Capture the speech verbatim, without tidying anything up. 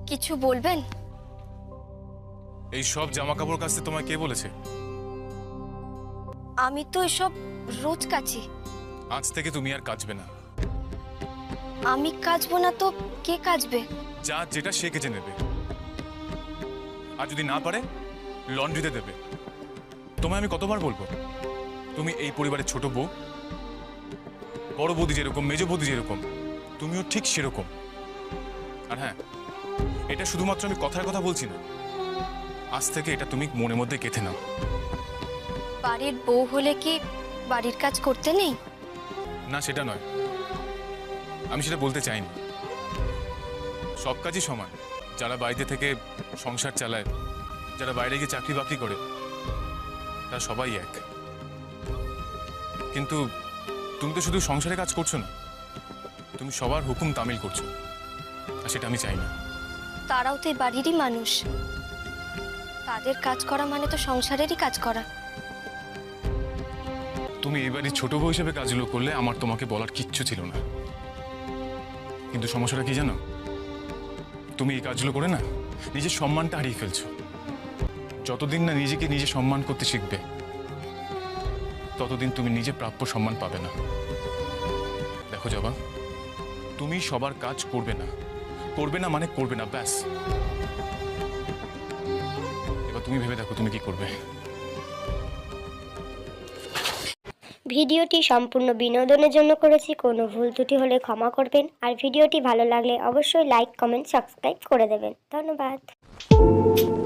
কিছু বলবেন? এই সব জামা কাপড় কাচতে তোমায় কে বলেছে? আমি তো এসব রোজ কাচি। আজ থেকে তুমি আর কাচবে না। আমি কাচবো না তো কে কাচবে? যা যেটা সে কেচে নেবে, আর যদি না পারে লন্ড্রিতে দেবে। তোমায় আমি কতবার বলবো, তুমি এই পরিবারের ছোট বউ। বড় বৌদি যেরকম, মেজ বৌদি যেরকম, তুমিও ঠিক সেরকম। আর হ্যাঁ, এটা শুধুমাত্র আমি কথার কথা বলছি না, আজ থেকে এটা তুমি মনের মধ্যে গেঁথে নাও। বাড়ির বউ হলে কি বাড়ির কাজ করতে নেই? না, সেটা নয়, আমি সেটা বলতে চাইনি। সব কাজই সমান। যারা বাড়িতে থেকে সংসার চালায়, যারা বাইরে গিয়ে চাকরি বাকরি করে, তারা সবাই এক। কিন্তু তুমি তো শুধু সংসারে কাজ করছো না, তুমি সবার হুকুম তামিল করছো, আর সেটা আমি চাই না। তারাও তো এই বাড়িরই মানুষ, তাদের কাজ করা মানে তো সংসারেরই কাজ করা। তুমি এই বাড়ির ছোট বউ হিসেবে কাজগুলো করলে আমার তোমাকে বলার কিচ্ছু ছিল না। কিন্তু সমস্যাটা কি জানো? তুমি এই কাজগুলো করে না নিজের সম্মানটা হারিয়ে ফেলছো। যতদিন না নিজেকে নিজে সম্মান করতে শিখবে, ততদিন তুমি নিজে প্রাপ্য সম্মান পাবে না। দেখো জবা, তুমি সবার কাজ করবে না, করবে না মানে করবে না, ব্যাস। এবার তুমি ভেবে দেখো তুমি কি করবে। ভিডিওটি সম্পূর্ণ বিনোদনের জন্য করেছি, কোনো ভুল ত্রুটি হলে ক্ষমা করবেন। আর ভিডিওটি ভালো লাগলে অবশ্যই লাইক, কমেন্ট, সাবস্ক্রাইব করে দেবেন। ধন্যবাদ।